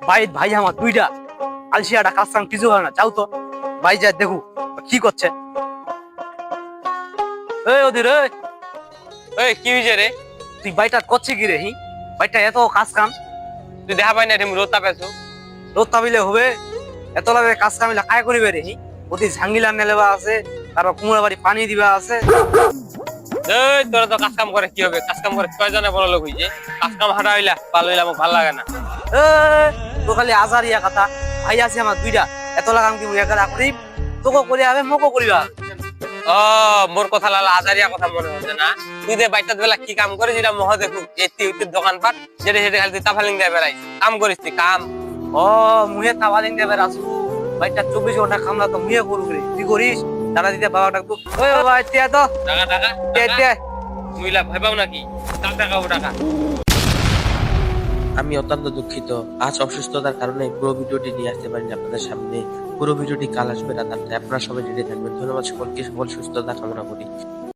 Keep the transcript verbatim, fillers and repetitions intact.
ভাই ভাই আমার দুইটা আলসিয়াটা কাজ কাম কিছু হয় না, যাও তো ভাই যা দেখু কি করছে। এই ওদের এই ওই কি হইছে রে? তুই বাইটা করছে কি রে? হি বাইটা এত কাজ কাম তুই দেখা পাই না রে রোদ তাপেছো। রোদ তাবিলে হবে? এত লাগে কাজ কামিলা কায় করিবে রে? হি অতি ঝাঙ্গিলা নেলেবা আছে, তারপর কুমড়া বাড়ি পানি দিবা আছে। এই তোরা তো কাজ কাম করে কি হবে? কাজ কাম করে কয়জনে বড় লোক হইছে? কাজ কাম হাঁটা হইলা ভালো হইলা, আমার ভালো লাগে না। এ তো খালি আজারিয়া কথা। ভাই আছে আমার দুইটা, এত লাগাম কি মুই একা করি? তোকে করি হবে মোকো করিবা। ও মোর কথা লালা আজারিয়া কথা মনে হচ্ছে না? তুই যে বাইটাত বেলা কি কাম করে যেটা মহ দেখু এতি উতি দোকানপাট যেটা সেটা খালি তুই তাফালিং দিয়ে বেড়াই কাম করিস তুই কাম। ও মুহে তাওয়ালিং দেবে রাসু ভাইটা চব্বিশ ঘন্টা কামলা তো মুহে করু রে, তুই করিস টাকা দিতে বাবা ডাকবো। ওই বাবা তিয়া তো টাকা টাকা তিয়া তিয়া মুইলা ভয় পাও নাকি? টাকা টাকা ও টাকা। আমি অত্যন্ত দুঃখিত, আজ অসুস্থতার কারণে পুরো ভিডিওটি নিয়ে আসতে পারিনি আপনাদের সামনে। পুরো ভিডিওটি কাল আসবে রাত আটটায়। আপনারা সবাই রেডি থাকবেন। ধন্যবাদ সকলকে, সকল সুস্থতা কামনা করি।